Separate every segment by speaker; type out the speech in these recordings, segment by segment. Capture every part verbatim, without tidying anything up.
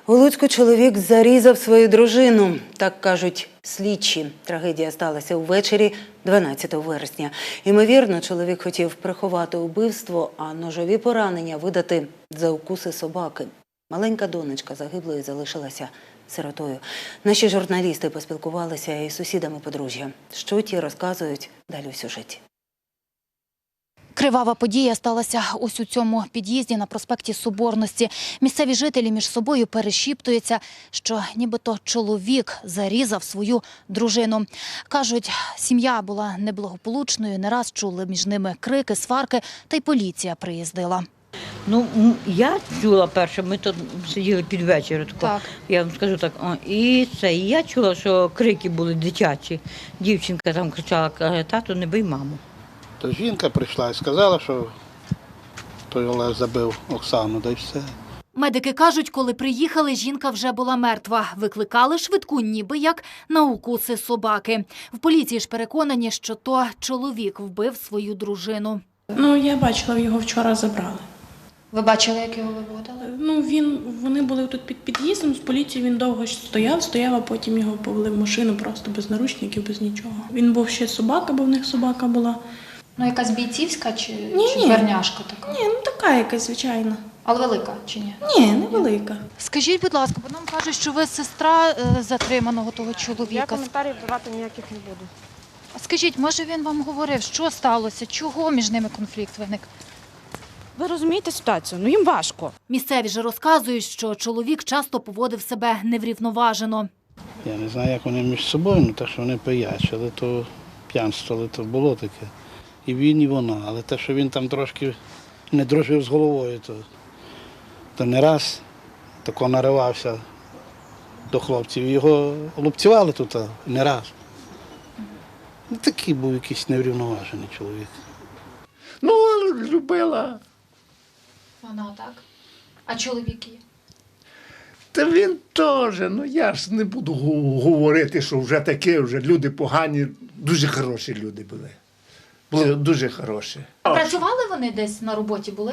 Speaker 1: У Луцьку чоловік зарізав свою дружину. Так кажуть слідчі. Трагедія сталася увечері дванадцятого вересня. Ймовірно, чоловік хотів приховати убивство, а ножові поранення видати за укуси собаки. Маленька донечка загиблої залишилася сиротою. Наші журналісти поспілкувалися із сусідами подружжя. Що ті розказують далі у сюжеті.
Speaker 2: Кривава подія сталася ось у цьому під'їзді на проспекті Соборності. Місцеві жителі між собою перешіптуються, що нібито чоловік зарізав свою дружину. Кажуть, сім'я була неблагополучною, не раз чули між ними крики, сварки, та й поліція приїздила.
Speaker 3: Ну, я чула перше, ми тут сиділи під вечір,
Speaker 2: Так.
Speaker 3: Я вам скажу так, о, і це, і я чула, що крики були дитячі. Дівчинка там кричала, каже, тату, не бий маму.
Speaker 4: То жінка прийшла і сказала, що той Олег забив Оксану, да й все.
Speaker 2: Медики кажуть, коли приїхали, жінка вже була мертва. Викликали швидку, ніби як на укуси собаки. В поліції ж переконані, що то чоловік вбив свою дружину.
Speaker 5: Ну, я бачила, його вчора забрали.
Speaker 2: Ви бачили, як його виводили?
Speaker 5: Ну, він, вони були тут під під'їздом, з поліції він довго стояв, стояв, а потім його повели в машину просто без наручників, без нічого. Він був ще собака, бо в них собака була.
Speaker 2: Ну, якась бійцівська чи,
Speaker 5: Ні,
Speaker 2: чи
Speaker 5: ні.
Speaker 2: дверняшка така?
Speaker 5: Ні, ну така якась, звичайно.
Speaker 2: Але велика чи ні?
Speaker 5: Ні, невелика.
Speaker 2: Скажіть, будь ласка, бо нам кажуть, що ви сестра е, затриманого того
Speaker 6: Я
Speaker 2: чоловіка.
Speaker 6: коментарів давати ніяких не буду.
Speaker 2: Скажіть, може він вам говорив, що сталося, чого між ними конфлікт виник?
Speaker 6: Ви розумієте ситуацію? Ну їм важко.
Speaker 2: Місцеві ж розказують, що чоловік часто поводив себе неврівноважено.
Speaker 4: Я не знаю, як вони між собою, ну те, що вони пиячили, то п'янствували, то було таке. І він, і вона. Але те, що він там трошки не дружив з головою, то, то не раз тако наривався до хлопців. Його лупцювали тут не раз. Ну, такий був якийсь неврівноважений чоловік.
Speaker 7: Ну, любила.
Speaker 2: Вона так. А чоловіки?
Speaker 7: Та він теж, ну я ж не буду гу- говорити, що вже таке, вже люди погані, дуже хороші люди були. Були дуже хороші.
Speaker 2: Працювали вони десь на роботі були?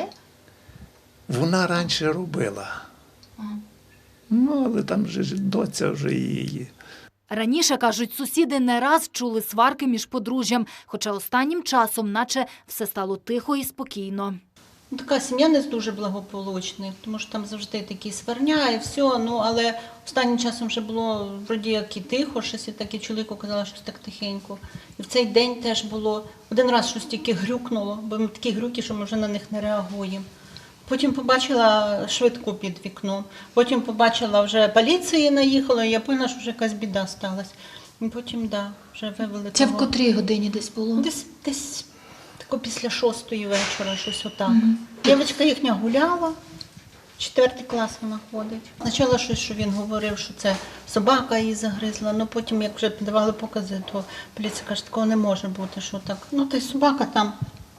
Speaker 7: Вона раніше робила.
Speaker 2: Ага.
Speaker 7: Ну, але там вже ж доця вже її.
Speaker 2: Раніше, кажуть, сусіди не раз чули сварки між подружжям, хоча останнім часом наче все стало тихо і спокійно.
Speaker 8: Ну, така сім'я не дуже благополучна, тому що там завжди такі сварня і все, ну, але останнім часом вже було вроді як і тихо, щось і так, і чоловіку казала, щось так тихенько. І в цей день теж було, один раз щось тільки грюкнуло, бо ми такі грюки, що ми вже на них не реагуємо. Потім побачила швидку під вікном, потім побачила, вже поліції наїхала, і я поняла, що вже якась біда сталася. І потім, да, вже вивели
Speaker 2: Це
Speaker 8: того.
Speaker 2: в котрій годині десь було?
Speaker 8: Десь, десь тако після шостої вечора, щось отак. Mm-hmm. Дівчинка їхня гуляла, четвертий клас вона ходить. Спочатку щось, що він говорив, що це собака її загризла, але потім, як вже давали покази, то поліція каже, такого не може бути, що так. Ну, та й собака там,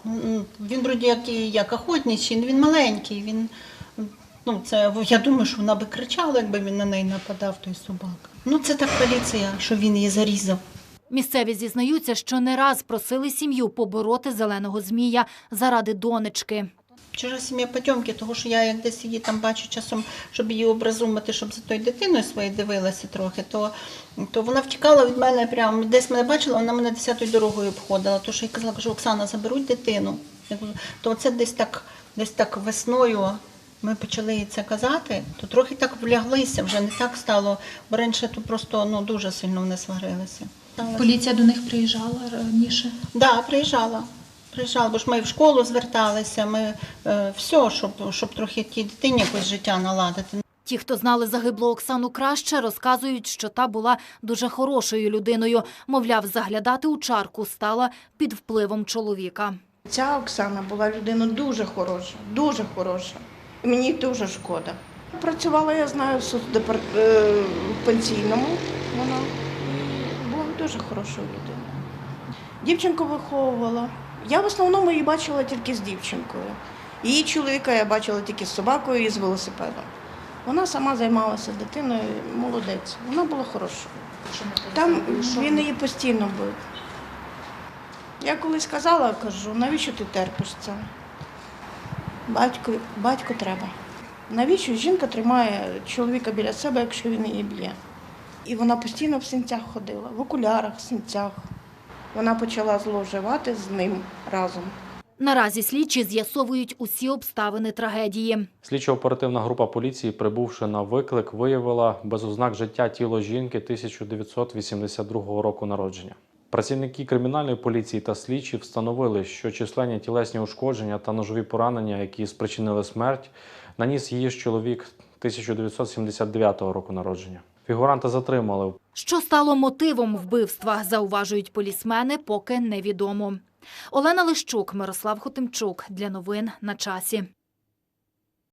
Speaker 8: він вроді як, як охотничий, він маленький, він, ну, це, я думаю, що вона би кричала, якби він на неї нападав, той собака. Ну, це так поліція, що він її зарізав.
Speaker 2: Місцеві зізнаються, що не раз просили сім'ю побороти зеленого змія заради донечки.
Speaker 8: Чужа сім'я Потьомки, тому що я як десь її там бачу часом, щоб її образумити, щоб за тою дитиною своєю дивилася трохи, то, то вона втікала від мене прямо, десь мене бачила, вона мене десятою дорогою обходила, то що я казала, кажу, Оксана, заберуть дитину. То це десь так, десь так весною ми почали їй це казати, то трохи так вляглися, вже не так стало, бо раніше то просто ну, дуже сильно вони сварилися.
Speaker 2: Поліція до них приїжджала раніше?
Speaker 8: Так, да, приїжджала. Приїжджала, бо ж ми в школу зверталися, ми е, все, щоб, щоб трохи тій дитині якось життя наладити.
Speaker 2: Ті, хто знали загиблу Оксану краще, розказують, що та була дуже хорошою людиною. Мовляв, заглядати у чарку стала під впливом чоловіка.
Speaker 9: Ця Оксана була людина дуже хороша, дуже хороша. І мені дуже шкода. Працювала, я знаю, в соцдепар... е, в пенсійному. Вона була дуже хорошою людиною. Дівчинку виховувала. Я в основному її бачила тільки з дівчинкою. Її чоловіка я бачила тільки з собакою і з велосипедом. Вона сама займалася дитиною, молодець. Вона була хорошою. Там він її постійно бив. Я колись казала, кажу, навіщо ти терпиш це? Батько, батько треба. Навіщо жінка тримає чоловіка біля себе, якщо він її б'є? І вона постійно в синцях ходила, в окулярах, в синцях. Вона почала зловживати з ним разом.
Speaker 2: Наразі слідчі з'ясовують усі обставини трагедії.
Speaker 10: Слідчо-оперативна група поліції, прибувши на виклик, виявила без ознак життя тіло жінки тисяча дев'ятсот вісімдесят другого року народження. Працівники кримінальної поліції та слідчі встановили, що численні тілесні ушкодження та ножові поранення, які спричинили смерть, наніс її ж чоловік тисяча дев'ятсот сімдесят дев'ятого року народження. Фігуранта затримали.
Speaker 2: Що стало мотивом вбивства, зауважують полісмени, поки невідомо. Олена Лищук, Мирослав Хотимчук. Для новин на часі.